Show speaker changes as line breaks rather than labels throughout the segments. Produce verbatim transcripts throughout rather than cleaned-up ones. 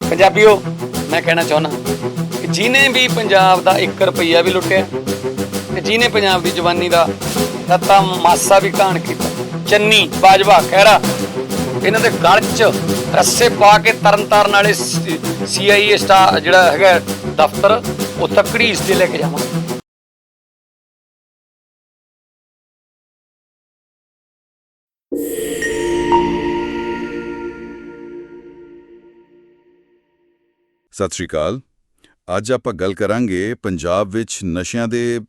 ਪੰਜਾਬੀਓ ਮੈਂ ਕਹਿਣਾ ਚਾਹੁੰਦਾ ਕਿ ਜਿਹਨੇ ਵੀ ਪੰਜਾਬ ਦਾ ਇੱਕ ਰੁਪਈਆ ਵੀ ਲੁੱਟਿਆ ਤੇ ਜਿਹਨੇ ਪੰਜਾਬ ਦੀ ਜਵਾਨੀ ਦਾ ਤਾਂ ਮਾਸਾ ਵੀ ਘਾਣ ਕੀਤਾ, ਚੰਨੀ ਬਾਜਵਾ ਖਹਿਰਾ, ਇਹਨਾਂ ਦੇ ਗਲ 'ਚ ਰੱਸੇ ਪਾ ਕੇ ਤਰਨ ਤਾਰਨ ਵਾਲੇ ਸੀ ਆਈ ਏ ਸਟਾ ਜਿਹੜਾ ਹੈਗਾ ਦਫ਼ਤਰ ਉੱਥੇ ਘੜੀਸ ਤੇ ਲੈ ਕੇ ਜਾਵਾਂ।
ਸਤਿ ਸ਼੍ਰੀ ਅਕਾਲ। ਅੱਜ ਆਪਾਂ ਗੱਲ ਕਰਾਂਗੇ ਪੰਜਾਬ ਵਿੱਚ ਨਸ਼ਿਆਂ ਦੇ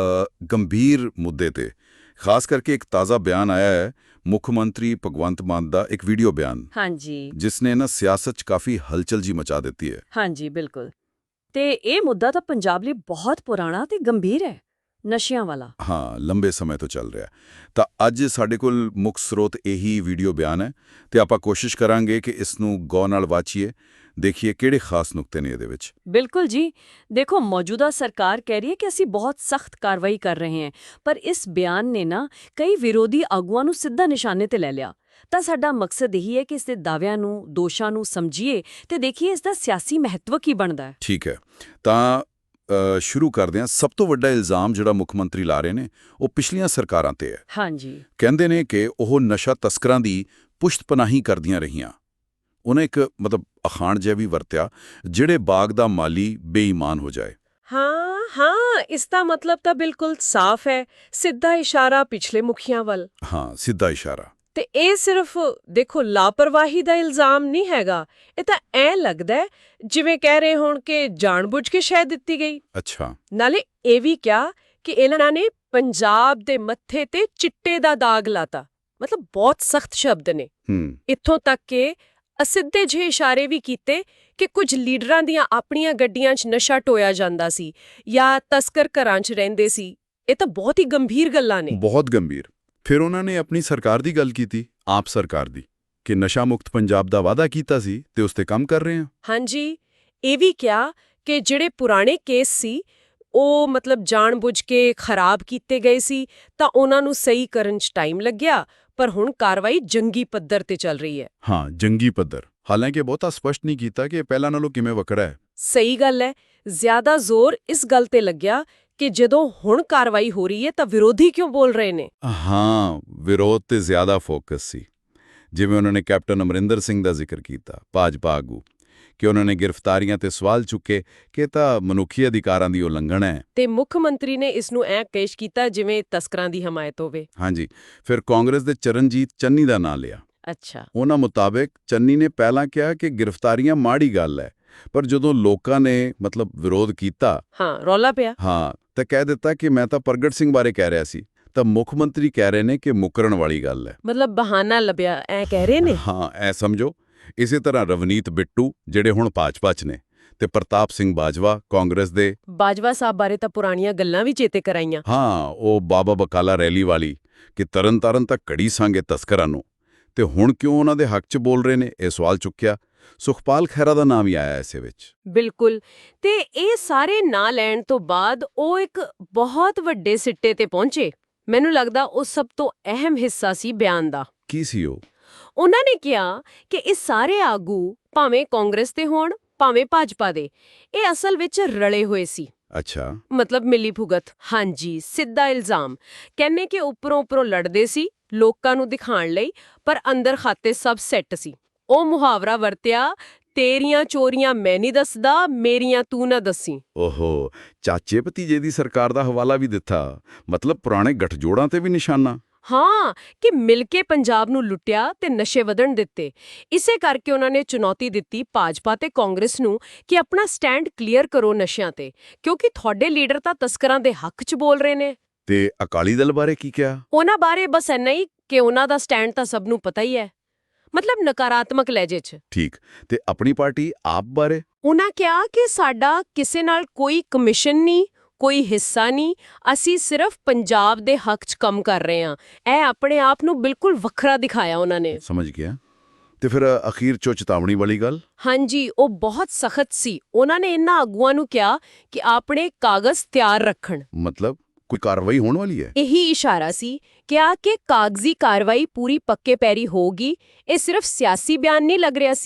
ਗੰਭੀਰ ਮੁੱਦੇ ਤੇ। ਖਾਸ ਕਰਕੇ ਇੱਕ ਤਾਜ਼ਾ ਬਿਆਨ ਆਇਆ ਹੈ ਮੁੱਖ ਮੰਤਰੀ ਭਗਵੰਤ ਮਾਨ ਦਾ, ਇੱਕ ਵੀਡੀਓ ਬਿਆਨ, ਹਾਂਜੀ, ਜਿਸ ਨੇ ਨਾ ਸਿਆਸਤ 'ਚ ਕਾਫੀ ਹਲਚਲ ਜੀ ਮਚਾ ਦਿੱਤੀ ਹੈ।
ਹਾਂਜੀ, ਬਿਲਕੁਲ। ਤੇ ਇਹ ਮੁੱਦਾ ਤਾਂ ਪੰਜਾਬ ਲਈ ਬਹੁਤ ਪੁਰਾਣਾ ਤੇ ਗੰਭੀਰ ਹੈ, ਨਸ਼ਿਆਂ ਵਾਲਾ।
ਹਾਂ, ਲੰਬੇ ਸਮੇਂ ਤੋਂ ਚੱਲ ਰਿਹਾ। ਤਾਂ ਅੱਜ ਸਾਡੇ ਕੋਲ ਮੁੱਖ ਸਰੋਤ ਇਹੀ ਵੀਡੀਓ ਬਿਆਨ ਹੈ ਤੇ ਆਪਾਂ ਕੋਸ਼ਿਸ਼ ਕਰਾਂਗੇ ਕਿ ਇਸ ਨੂੰ ਗੌਰ ਨਾਲ ਵਾਚੀਏ, ਦੇਖੀਏ ਕਿਹੜੇ ਖਾਸ ਨੁਕਤੇ ਨੇ ਇਹਦੇ ਵਿੱਚ।
ਬਿਲਕੁਲ ਜੀ। ਦੇਖੋ, ਮੌਜੂਦਾ ਸਰਕਾਰ ਕਹਿ ਰਹੀ ਹੈ ਕਿ ਅਸੀਂ ਬਹੁਤ ਸਖਤ ਕਾਰਵਾਈ ਕਰ ਰਹੇ ਹਾਂ, ਪਰ ਇਸ ਬਿਆਨ ਨੇ ਨਾ ਕਈ ਵਿਰੋਧੀ ਆਗੂਆਂ ਨੂੰ ਸਿੱਧਾ ਨਿਸ਼ਾਨੇ ਤੇ ਲੈ ਲਿਆ। ਤਾਂ ਸਾਡਾ ਮਕਸਦ ਇਹੀ ਹੈ ਕਿ ਇਸ ਦੇ ਦਾਅਵਿਆਂ ਨੂੰ, ਦੋਸ਼ਾਂ ਨੂੰ ਸਮਝੀਏ ਤੇ ਦੇਖੀਏ ਇਸ ਦਾ ਸਿਆਸੀ ਮਹੱਤਵ ਕੀ ਬਣਦਾ ਹੈ।
ਠੀਕ ਹੈ, ਤਾਂ ਸ਼ੁਰੂ ਕਰਦੇ ਹਾਂ। ਸਭ ਤੋਂ ਵੱਡਾ ਇਲਜ਼ਾਮ ਜਿਹੜਾ ਮੁੱਖ ਮੰਤਰੀ ਲਾ ਰਹੇ ਨੇ ਉਹ ਪਿਛਲੀਆਂ ਸਰਕਾਰਾਂ ਤੇ ਹੈ।
ਹਾਂਜੀ,
ਕਹਿੰਦੇ ਨੇ ਕਿ ਉਹ ਨਸ਼ਾ ਤਸਕਰਾਂ ਦੀ ਪੁਸ਼ਤ ਪਨਾਹੀ ਕਰਦੀਆਂ ਰਹੀਆਂ। ਉਹਨੇ ਇੱਕ ਮਤਲਬ ਅਖਾਣ ਜਿਹਾ ਵੀ ਵਰਤਿਆ, ਜਿਹੜੇ ਬਾਗ ਦਾ ਮਾਲੀ ਬੇਈਮਾਨ ਹੋ ਜਾਏ।
ਹਾਂ ਹਾਂ ਇਸ ਦਾ ਮਤਲਬ ਤਾਂ ਬਿਲਕੁਲ ਸਾਫ਼ ਹੈ, ਸਿੱਧਾ ਇਸ਼ਾਰਾ ਪਿਛਲੇ ਮੁਖੀਆਂ ਵੱਲ।
ਹਾਂ, ਸਿੱਧਾ ਇਸ਼ਾਰਾ।
ਤੇ ਇਹ ਸਿਰਫ ਦੇਖੋ ਲਾਪਰਵਾਹੀ ਦਾ ਇਲਜ਼ਾਮ ਨਹੀਂ ਹੈਗਾ, ਇਹ ਤਾਂ ਐ ਲੱਗਦਾ ਹੈ ਜਿਵੇਂ ਕਹਿ ਰਹੇ ਹੋਣ ਕਿ ਜਾਣਬੁੱਝ ਕੇ ਸ਼ਹਿ ਦਿੱਤੀ ਗਈ।
ਅੱਛਾ।
ਨਾਲੇ ਇਹ ਵੀ ਕਿਹਾ ਕਿ ਇਹਨਾਂ ਨੇ ਪੰਜਾਬ ਦੇ ਮੱਥੇ ਤੇ ਚਿੱਟੇ ਦਾ ਦਾਗ ਲਾਤਾ, ਮਤਲਬ ਬਹੁਤ ਸਖਤ ਸ਼ਬਦ ਨੇ।
ਹੂੰ।
ਇੱਥੋਂ ਤੱਕ ਕਿ ਅਸਿੱਧੇ ਜਿਹੇ ਇਸ਼ਾਰੇ ਵੀ ਕੀਤੇ ਕਿ ਕੁਝ ਲੀਡਰਾਂ ਦੀਆਂ ਆਪਣੀਆਂ ਗੱਡੀਆਂ 'ਚ ਨਸ਼ਾ ਢੋਇਆ ਜਾਂਦਾ ਸੀ ਜਾਂ ਤਸਕਰ ਘਰਾਂ 'ਚ ਰਹਿੰਦੇ ਸੀ। ਇਹ ਤਾਂ ਬਹੁਤ ਹੀ ਗੰਭੀਰ ਗੱਲਾਂ ਨੇ।
ਬਹੁਤ ਗੰਭੀਰ। ਫਿਰ ਉਹਨਾਂ ਨੇ ਆਪਣੀ ਸਰਕਾਰ ਦੀ ਗੱਲ ਕੀਤੀ, ਆਪ ਸਰਕਾਰ ਦੀ, ਕਿ ਨਸ਼ਾ ਮੁਕਤ ਪੰਜਾਬ ਦਾ ਵਾਅਦਾ ਕੀਤਾ ਸੀ ਤੇ ਉਸ ਤੇ ਕੰਮ ਕਰ ਰਹੇ ਹਾਂ। ਹਾਂਜੀ,
ਇਹ ਵੀ ਕਿਹਾ ਕਿ ਜਿਹੜੇ ਪੁਰਾਣੇ ਕੇਸ ਸੀ ਉਹ ਮਤਲਬ ਜਾਣਬੁੱਝ ਕੇ ਖਰਾਬ ਕੀਤੇ ਗਏ ਸੀ ਤਾਂ ਉਹਨਾਂ ਨੂੰ ਸਹੀ ਕਰਨ 'ਚ ਟਾਈਮ ਲੱਗਿਆ, ਪਰ ਹੁਣ ਕਾਰਵਾਈ ਜੰਗੀ ਪੱਧਰ ਤੇ ਚੱਲ ਰਹੀ ਹੈ।
ਹਾਂ, ਜੰਗੀ ਪੱਧਰ। ਹਾਲਾਂਕਿ ਬਹੁਤਾ ਸਪਸ਼ਟ ਨਹੀਂ ਕੀਤਾ ਕਿ ਪਹਿਲਾਂ ਨਾਲੋਂ ਕਿਵੇਂ ਵੱਖਰਾ ਹੈ।
ਸਹੀ ਗੱਲ ਹੈ। ਜ਼ਿਆਦਾ ਜ਼ੋਰ ਇਸ ਗੱਲ ਤੇ ਲੱਗਿਆ ਕਿ ਜਦੋਂ ਹੁਣ ਕਾਰਵਾਈ ਹੋ ਰਹੀ ਹੈ ਤਾਂ ਵਿਰੋਧੀ ਕਿਉਂ ਬੋਲ ਰਹੇ ਨੇ।
ਹਾਂ, ਵਿਰੋਧ ਤੇ ਜ਼ਿਆਦਾ ਫੋਕਸ ਸੀ। ਜਿਵੇਂ ਉਹਨਾਂ ਨੇ ਕੈਪਟਨ ਅਮਰਿੰਦਰ ਸਿੰਘ ਦਾ ਜ਼ਿਕਰ ਕੀਤਾ, ਭਾਜਪਾ ਆਗੂ, ਕਿ ਉਹਨਾਂ ਨੇ ਗ੍ਰਿਫਤਾਰੀਆਂ ਤੇ ਸਵਾਲ ਚੁੱਕੇ ਕਿ ਇਹ ਤਾਂ ਮਨੁੱਖੀ ਅਧਿਕਾਰਾਂ ਦੀ ਉਲੰਘਣਾ ਹੈ।
ਤੇ ਮੁੱਖ ਮੰਤਰੀ ਨੇ ਇਸ ਨੂੰ ਐਂ ਪੇਸ਼ ਕੀਤਾ ਜਿਵੇਂ ਤਸਕਰਾਂ ਦੀ ਹਮਾਇਤ ਹੋਵੇ।
ਹਾਂਜੀ। ਫਿਰ ਕਾਂਗਰਸ ਦੇ ਚਰਨਜੀਤ ਚੰਨੀ ਦਾ ਨਾਂ ਲਿਆ।
ਅੱਛਾ।
ਉਹਨਾਂ ਮੁਤਾਬਕ ਚੰਨੀ ਨੇ ਪਹਿਲਾਂ ਕਿਹਾ ਕਿ ਗ੍ਰਿਫਤਾਰੀਆਂ ਮਾੜੀ ਗੱਲ ਹੈ, ਪਰ ਜਦੋਂ ਲੋਕਾਂ ਨੇ ਮਤਲਬ ਵਿਰੋਧ ਕੀਤਾ,
ਹਾਂ, ਰੌਲਾ ਪਿਆ,
ਹਾਂ, ਤਾਂ ਕਹਿ ਦਿੱਤਾ ਕਿ ਮੈਂ ਤਾਂ ਪ੍ਰਗਟ ਸਿੰਘ ਬਾਰੇ ਕਹਿ ਰਿਹਾ ਸੀ। ਤਾਂ ਮੁੱਖ ਮੰਤਰੀ ਕਹਿ ਰਹੇ ਨੇ ਕਿ ਮੁਕਰਨ ਵਾਲੀ ਗੱਲ ਹੈ,
ਮਤਲਬ ਬਹਾਨਾ ਲੱਭਿਆ, ਐ ਕਹਿ ਰਹੇ ਨੇ।
ਹਾਂ, ਐ ਸਮਝੋ। ਇਸੇ ਤਰ੍ਹਾਂ ਰਵਨੀਤ ਬਿੱਟੂ, ਜਿਹੜੇ ਹੁਣ ਭਾਜਪਾ 'ਚ ਨੇ, ਤੇ ਪ੍ਰਤਾਪ ਸਿੰਘ ਬਾਜਵਾ, ਕਾਂਗਰਸ ਦੇ।
ਬਾਜਵਾ ਸਾਹਿਬ ਬਾਰੇ ਤਾਂ ਪੁਰਾਣੀਆਂ ਗੱਲਾਂ ਵੀ ਚੇਤੇ ਕਰਾਈਆਂ।
ਹਾਂ, ਉਹ ਬਾਬਾ ਬਕਾਲਾ ਰੈਲੀ ਵਾਲੀ, ਕਿ ਤਰਨ ਤਾਰਨ ਤੱਕ ਘੜੀ ਸਾਂਗੇ ਤਸਕਰਾਂ ਨੂੰ, ਤੇ ਹੁਣ ਕਿਉਂ ਉਹਨਾਂ ਦੇ ਹੱਕ 'ਚ ਬੋਲ ਰਹੇ ਨੇ, ਇਹ ਸਵਾਲ ਚੁੱਕਿਆ। ਸੁਖਪਾਲ ਖਹਿਰਾ ਦਾ ਨਾਮ ਵੀ ਆਇਆ ਇਸੇ ਵਿੱਚ।
ਬਿਲਕੁਲ। ਤੇ ਇਹ ਸਾਰੇ ਨਾਂ ਲੈਣ ਤੋਂ ਬਾਅਦ ਉਹ ਇੱਕ ਬਹੁਤ ਵੱਡੇ ਸਿੱਟੇ ਤੇ ਪਹੁੰਚੇ। ਮੈਨੂੰ ਲੱਗਦਾ ਉਹ ਸਭ ਤੋਂ ਅਹਿਮ ਹਿੱਸਾ ਸੀ ਬਿਆਨ ਦਾ।
ਕੀ ਸੀ ਉਹ? ਉਹਨਾਂ
ਨੇ ਕਿਹਾ ਕਿ ਇਹ ਸਾਰੇ ਆਗੂ, ਭਾਵੇਂ ਕਾਂਗਰਸ ਦੇ ਹੋਣ ਭਾਵੇਂ ਭਾਜਪਾ ਦੇ, ਇਹ ਅਸਲ ਵਿੱਚ ਰਲੇ ਹੋਏ ਸੀ।
ਅੱਛਾ।
ਮਤਲਬ ਮਿਲੀ ਭੁਗਤ। ਹਾਂਜੀ, ਸਿੱਧਾ ਇਲਜ਼ਾਮ। ਕਹਿੰਨੇ ਕਿ ਉੱਪਰੋਂ ਉੱਪਰੋਂ ਲੜਦੇ ਸੀ ਲੋਕਾਂ ਨੂੰ ਦਿਖਾਣ ਲਈ, ਪਰ ਅੰਦਰ ਖਾਤੇ ਸਭ ਸੈੱਟ ਸੀ। ਉਹ ਮੁਹਾਵਰਾ ਵਰਤਿਆ, ਤੇਰੀਆਂ ਚੋਰੀਆਂ ਮੈਂ ਨਹੀਂ ਦੱਸਦਾ, ਮੇਰੀਆਂ ਤੂੰ ਨਾ ਦੱਸੀ।
ਓਹੋ, ਚਾਚੇ ਭਤੀਜੇ ਦੀ ਸਰਕਾਰ ਦਾ ਹਵਾਲਾ ਵੀ ਦਿੱਤਾ, ਮਤਲਬ ਪੁਰਾਣੇ ਗੱਠਜੋੜਾਂ ਤੇ ਵੀ ਨਿਸ਼ਾਨਾ।
ਹਾਂ, ਕਿ ਮਿਲ ਕੇ ਪੰਜਾਬ ਨੂੰ ਲੁੱਟਿਆ ਤੇ ਨਸ਼ੇ ਵਧਣ ਦਿੱਤੇ। ਇਸੇ ਕਰਕੇ ਉਹਨਾਂ ਨੇ ਚੁਣੌਤੀ ਦਿੱਤੀ ਭਾਜਪਾ ਤੇ ਕਾਂਗਰਸ ਨੂੰ ਕਿ ਆਪਣਾ ਸਟੈਂਡ ਕਲੀਅਰ ਕਰੋ ਨਸ਼ਿਆਂ ਤੇ, ਕਿਉਂਕਿ ਤੁਹਾਡੇ ਲੀਡਰ ਤਾਂ ਤਸਕਰਾਂ ਦੇ ਹੱਕ 'ਚ ਬੋਲ ਰਹੇ ਨੇ।
ਤੇ ਅਕਾਲੀ ਦਲ ਬਾਰੇ ਕੀ ਕਿਹਾ?
ਉਹਨਾਂ ਬਾਰੇ ਬਸ ਇੰਨਾ ਹੀ ਕਿ ਉਹਨਾਂ ਦਾ ਸਟੈਂਡ ਤਾਂ ਸਭ ਨੂੰ ਪਤਾ ਹੀ ਹੈ, ਮਤਲਬ ਨਕਾਰਾਤਮਕ ਲਹਿਜੇ 'ਚ।
ਠੀਕ। ਤੇ ਆਪਣੀ ਪਾਰਟੀ ਆਪ ਬਾਰੇ?
ਉਹਨਾਂ ਕਿਹਾ ਕਿ ਸਾਡਾ ਕਿਸੇ ਨਾਲ ਕੋਈ ਕਮਿਸ਼ਨ ਨਹੀਂ, ਕੋਈ ਹਿੱਸਾ ਨਹੀਂ, ਅਸੀਂ ਸਿਰਫ ਪੰਜਾਬ ਦੇ ਹੱਕ 'ਚ ਕੰਮ ਕਰ ਰਹੇ ਹਾਂ। ਇਹ ਆਪਣੇ ਆਪ ਨੂੰ ਬਿਲਕੁਲ ਵੱਖਰਾ ਦਿਖਾਇਆ ਉਹਨਾਂ ਨੇ।
ਸਮਝ ਗਿਆ। ਤੇ ਫਿਰ ਅਖੀਰ 'ਚੋਂ ਚੇਤਾਵਨੀ ਵਾਲੀ ਗੱਲ?
ਹਾਂਜੀ, ਉਹ ਬਹੁਤ ਸਖਤ ਸੀ। ਉਹਨਾਂ ਨੇ ਇਹਨਾਂ ਆਗੂਆਂ ਨੂੰ ਕਿਹਾ ਕਿ ਆਪਣੇ ਕਾਗਜ਼ ਤਿਆਰ ਰੱਖਣ।
ਮਤਲਬ ਕੋਈ ਕਾਰਵਾਈ ਹੋਣ ਵਾਲੀ ਹੈ?
ਇਹੀ ਇਸ਼ਾਰਾ ਸੀ, ਕਿਹਾ ਕਿ ਕਾਗਜ਼ੀ ਕਾਰਵਾਈ ਪੂਰੀ ਪੱਕੇ ਪੈਰੀ ਹੋਗੀ। ਇਹ ਸਿਰਫ ਸਿਆਸੀ ਬਿਆਨ ਨਹੀਂ ਲੱਗ ਰਿਹਾ ਸੀ,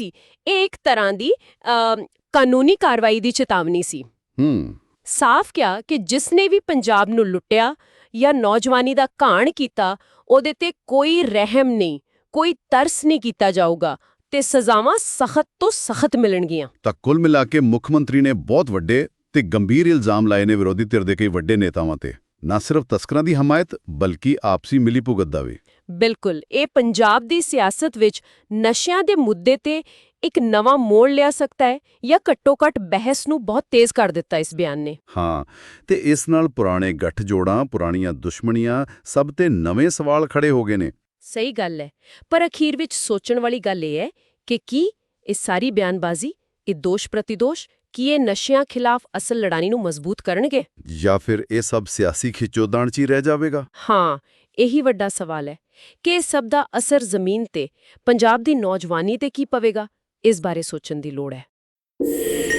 ਇਹ ਇੱਕ ਤਰ੍ਹਾਂ ਦੀ ਅ, ਕਾਨੂੰਨੀ ਕਾਰਵਾਈ ਦੀ ਚੇਤਾਵਨੀ ਸੀ।
ਹੂੰ
ਸਾਫ਼ ਕਿਹਾ ਕਿ ਜਿਸ ਨੇ ਵੀ ਪੰਜਾਬ ਨੂੰ ਲੁੱਟਿਆ ਜਾਂ ਨੌਜਵਾਨੀ ਦਾ ਘਾਣ ਕੀਤਾ, ਉਹਦੇ ਤੇ ਕੋਈ ਰਹਿਮ ਨਹੀਂ, ਕੋਈ ਤਰਸ ਨਹੀਂ ਕੀਤਾ ਜਾਊਗਾ ਤੇ ਸਜ਼ਾਵਾਂ ਸਖਤ ਤੋਂ ਸਖਤ ਮਿਲਣਗੀਆਂ।
ਤਾਂ ਕੁੱਲ ਮਿਲਾ ਕੇ ਮੁੱਖ ਮੰਤਰੀ ਨੇ ਬਹੁਤ ਵੱਡੇ ਤੇ ਗੰਭੀਰ ਇਲਜ਼ਾਮ ਲਾਏ ਨੇ ਵਿਰੋਧੀ ਧਿਰ ਦੇ ਕਈ ਵੱਡੇ ਨੇਤਾਵਾਂ ਤੇ, ਨਾ ਸਿਰਫ ਤਸਕਰਾਂ ਦੀ ਹਮਾਇਤ ਬਲਕਿ ਆਪਸੀ ਮਿਲੀਭੁਗਤ ਦਾ ਵੀ।
ਬਿਲਕੁਲ, ਇਹ ਪੰਜਾਬ ਦੀ ਸਿਆਸਤ ਵਿੱਚ ਨਸ਼ਿਆਂ ਦੇ ਮੁੱਦੇ ਤੇ ਇੱਕ ਨਵਾਂ ਮੋੜ ਲਿਆ ਸਕਦਾ ਹੈ ਜਾਂ ਘੱਟੋ-ਘੱਟ ਬਹਿਸ ਨੂੰ ਬਹੁਤ ਤੇਜ਼ ਕਰ ਦਿੱਤਾ ਇਸ ਬਿਆਨ ਨੇ।
ਹਾਂ, ਤੇ ਇਸ ਨਾਲ ਪੁਰਾਣੇ ਗੱਠਜੋੜਾਂ, ਪੁਰਾਣੀਆਂ ਦੁਸ਼ਮਣੀਆਂ, ਸਭ ਤੇ ਨਵੇਂ ਸਵਾਲ ਖੜੇ ਹੋ ਗਏ ਨੇ।
ਸਹੀ ਗੱਲ ਹੈ, ਪਰ ਅਖੀਰ ਵਿੱਚ ਸੋਚਣ ਵਾਲੀ ਗੱਲ ਇਹ ਹੈ ਕਿ ਕੀ ਇਹ ਸਾਰੀ ਬਿਆਨਬਾਜ਼ੀ, ਇਹ ਦੋਸ਼ ਪ੍ਰਤੀਦੋਸ਼, ਕੀ ਇਹ ਨਸ਼ਿਆਂ ਖਿਲਾਫ ਅਸਲ ਲੜਾਈ ਨੂੰ ਮਜ਼ਬੂਤ ਕਰਨਗੇ
ਜਾਂ ਫਿਰ ਇਹ ਸਭ ਸਿਆਸੀ ਖਿੱਚੋਤਾਣ 'ਚ ਹੀ ਰਹਿ ਜਾਵੇਗਾ?
ਹਾਂ, ਇਹੀ ਵੱਡਾ ਸਵਾਲ ਹੈ ਕਿ ਇਸ ਸਭ ਦਾ ਅਸਰ ਜ਼ਮੀਨ ਤੇ, ਪੰਜਾਬ ਦੀ ਨੌਜਵਾਨੀ ਤੇ ਕੀ ਪਵੇਗਾ। ਇਸ ਬਾਰੇ ਸੋਚਣ ਦੀ ਲੋੜ ਹੈ।